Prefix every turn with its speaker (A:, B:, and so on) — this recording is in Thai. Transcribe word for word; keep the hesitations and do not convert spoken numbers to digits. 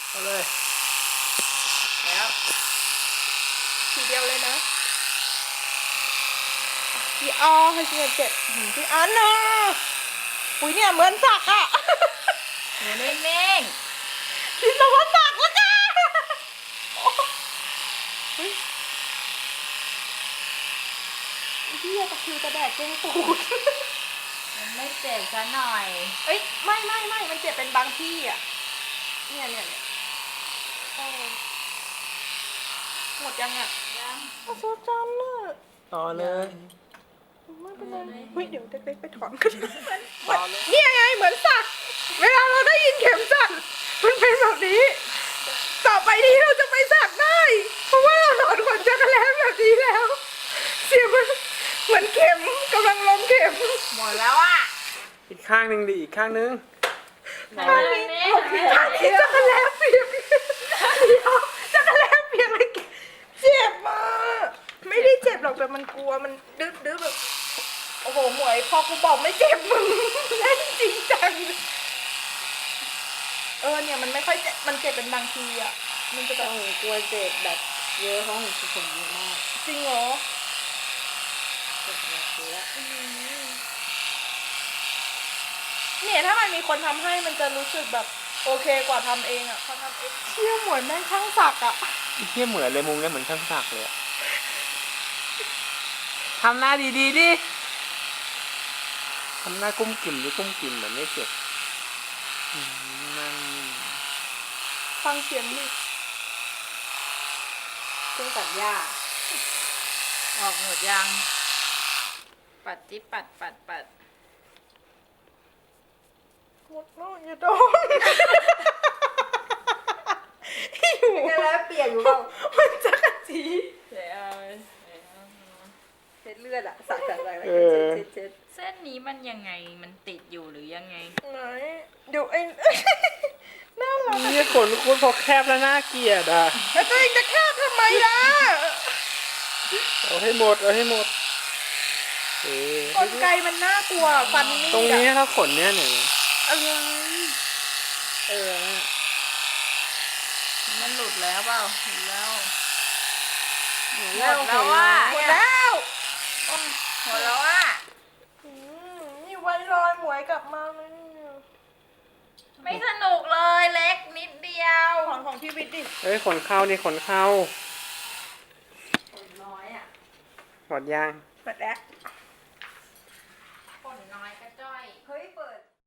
A: เอาเลย
B: แล้ว
C: ทีเดียวเลยนะพี่อ้อให้เงินเจ็ดพี่อ้อเนาะอุ้ยเนี่ยเหมือนสักอะ
B: หนูนิ่ง
C: คิดว่าสักแล้วจ้าพี่ตะคิวตะแดกเจ้งตูด
B: มันไม่เจ็บซะหน่อย
C: เอ้ยไม่ไม่ไม่มันเจ็บเป็นบางที่อ่ะเนี่ยเนี่ยเนี่ยหมดยังอ่ะ
B: ยัง
C: อาโซจันน่ะ
A: ต่อเลย
C: ไม่เป็นไรเฮ้ยเดี๋ยวเด็กๆไปถอนกันเนี่ยไงเหมือนสักเวลาเราได้ยินเข็มสักมันเป็นแบบนี้ต่อไปนี้เราจะไปสักได้เพราะว่าเราถอนขนจักรแล้แบบนี้แล้วเสียงมันเหมือนเข็มกำลังลงเข็ม
B: หมดแล้วอ่ะ
A: อีกข้างหนึ่งดิอีกข้างหนึ่ง
C: ข้างนี้ข้างนี้จักรแล้เปียกเดี๋ยวจักรแล้เปียกเลยเจ็บมากไม่ได้เจ็บหรอกแต่มันกลัวมันดื้อดื้อแบบโอ้โหหมวยพอกูบอกไม่เจ็บมึงเล่นจริงจังเออเนี่ยมันไม่ค่อยเจ็บมันเจ็บเป็นบางทีอ่ะมันจะแบบ
B: โอ้โหกลัวเจ็บแบบเยอะเขาหูผมเยอะมาก
C: จริงเหรอ
B: เจ็บแบบเยอะ
C: เนี่ยถ้ามันมีคนทำให้มันจะรู้สึกแบบโอเคกว่าทำเองอ่ะพอทำเองเชี่ยหมวยแม่งช่างสักอ่ะ
A: เที่ยเหมือนเลยมุมเนี่ยเหมือนช่างสักเลยทำหน้าดีๆดิทำหน้ากุ้มกิ่มหรือกุ้มกิ่มแบบไม่เจ็บนั่ง
C: ฟังเสียงดิ
B: เครื่องตัดหญ้าออกหมดยังปัดจิ๊บปัดปัดปัด
C: หมดแล้วอย่าโดน
B: จะแล้วเปียกอยู่เปล่า
C: มันจะกระจี
B: เดี๋ยว
C: เช็ดเลือดอะสักจากอะไรเช็ดเช็ด
B: เส้นนี้มันยังไงมันติดอยู่หรือยังไง
C: ไหนเดี๋ยวไอ้น่ารัก
A: นี่ขนคุณพอแคบแล้วน่าเกลียดอ่ะ
C: แล้วตัวเองจะแคบทำไมล่ะ
A: เอาให้หมดเอาให้หมด
C: กลไกมันน่ากลัวฟันนี่
A: ตรงนี้ถ้าขนเนี้ยหนึ่ง
C: อะไร
B: เออมันหลุดแล้วเปล่าหลุดแล้วหมดแล้วว่า
C: หมดแล้ว
B: หมดแล้วอ่ะ
C: นี่ไว้รอยหมวยกลับมาเลย
B: ไม่สนุกเลยเล็กนิดเดียว
C: ของของชีวิตดิ
A: เฮ้ยขนเข้านี่ขนเข้า
B: ขนน้อยอ่ะ
A: หมดยัง
C: หมดแล้ว